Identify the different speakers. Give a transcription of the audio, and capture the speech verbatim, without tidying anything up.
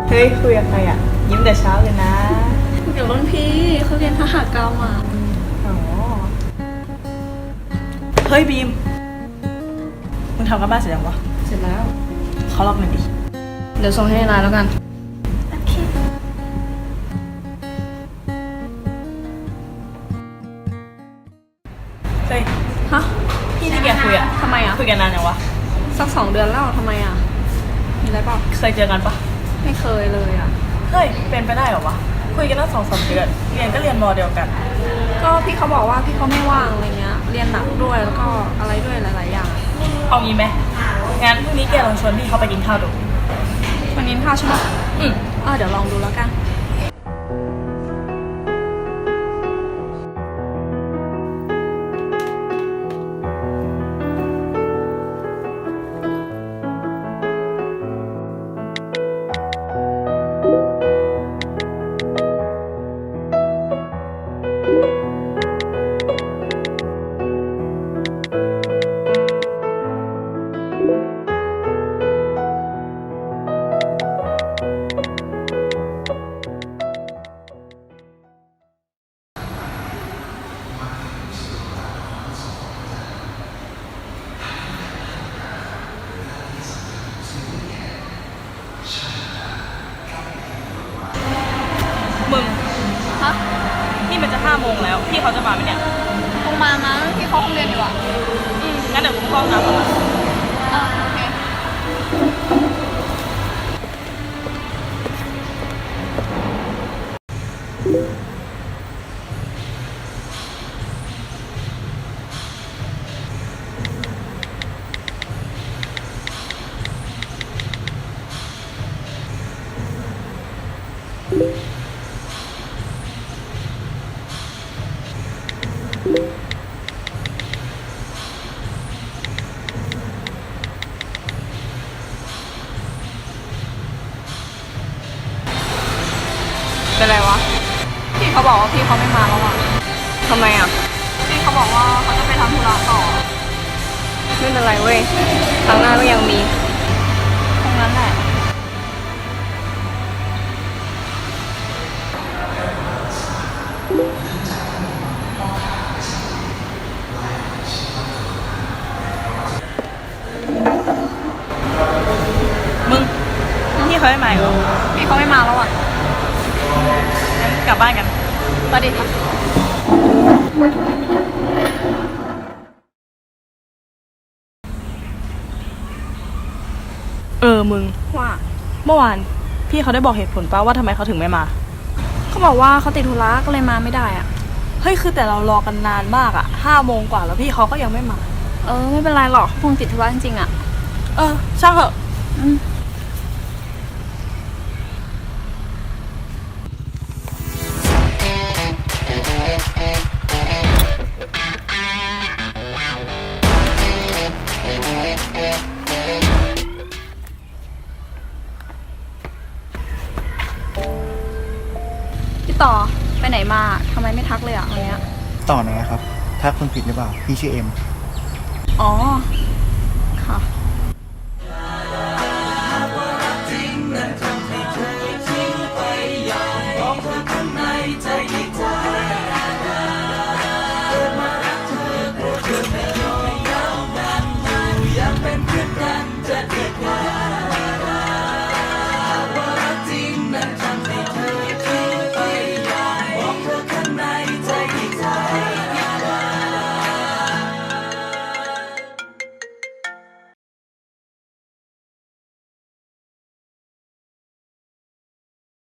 Speaker 1: เฮ้ยคุยกับใครอ่ะยิ้มแต่เช้าเลยนะ
Speaker 2: เดี๋ยวรุ่นพี่เขาเรียนทหารกรรมอ่ะ
Speaker 1: อ๋อเฮ้ยบีมมึงทำกันบ้านเสร็จยังวะ
Speaker 2: เสร็จแล้ว
Speaker 1: เขาล็อกหน่อยดิ
Speaker 2: เดี๋ยวส่งให้ในไลน์แล้วกัน
Speaker 1: โอเคเฮ้ย
Speaker 2: ฮะ
Speaker 1: พี่ที่แกคุยอ่ะ
Speaker 2: ทำไมอ่ะ
Speaker 1: คุยกันนานยังวะ
Speaker 2: สักสองเดือนแล้วทำไมอ่ะมีอะไรเปล่า
Speaker 1: เคยเจอกันปะ
Speaker 2: ไม่เคยเลยอ่ะ
Speaker 1: เฮ้ยเป็นไปได้เหรอวะคุยกันตั้งสองสามเดือนเรียนก็เรียนมอเดียวกัน
Speaker 2: ก็พี่เขาบอกว่าพี่เขาไม่ว่างอะไรเงี้ยเรียนหนักด้วยแล้วก็อะไรด้วยหลายๆอย่าง
Speaker 1: เอางี้ไหมงั้นพรุ่งนี้แกลองชวนพี่เขาไปกินข้าวดู
Speaker 2: วันนี้ข้าวใช่ไหม
Speaker 1: อืม
Speaker 2: เออเดี๋ยวลองดูแล้วกัน
Speaker 1: มึง
Speaker 2: ฮะ
Speaker 1: นี่มันจะห้าโมงแล้วพี่เขาจะมาไหมเนี่ย
Speaker 2: คงมานะพี่เขาคงเรียนอยู่อ่ะ
Speaker 1: อืมงั้นเดี๋ยวกูเข้าห้องน้ำก่อน
Speaker 2: อ่าโอเคเป็นไรวะพี่เขาบอกว่าพี่เขาไม่มาแล้วอ่ะ
Speaker 1: ทำไมอ่ะ
Speaker 2: พี่เขาบอกว่าเขาจะไปทำธุระต่อไม่เป็นไรเว้ยครั้งหน้าก็ยังมีตรงนั้นแหละ
Speaker 1: มึงพี่เขาไม่มาเหรอ
Speaker 2: พี่เขาไม่มาแล้วอ่ะ
Speaker 1: งั้นกลับบ้านกัน
Speaker 2: ประเด็น
Speaker 1: เออมึง
Speaker 2: ว่า
Speaker 1: เมื่อวานพี่เขาได้บอกเหตุผลป่ะว่าทำไมเขาถึงไม่มา
Speaker 2: เขาบอกว่าเขาติดธุระก็เลยมาไม่ได้อ่ะ
Speaker 1: เฮ้ยคือแต่เรารอกันนานมากอ่ะห้าโมงกว่าแล้วพี่เขาก็ยังไม่มา
Speaker 2: เออไม่เป็นไรหรอกเขาคงติดธุระจริงๆอ่ะ
Speaker 1: เออช่างเถอะ
Speaker 2: อืมพี่ต่อไปไหนมาทำไมไม่ทักเลยอ่ะวันเนี้ย
Speaker 3: ต่อไหนครับทักคนผิดหรือเปล่าพี่ชื่อเอ็ม
Speaker 2: อ๋อ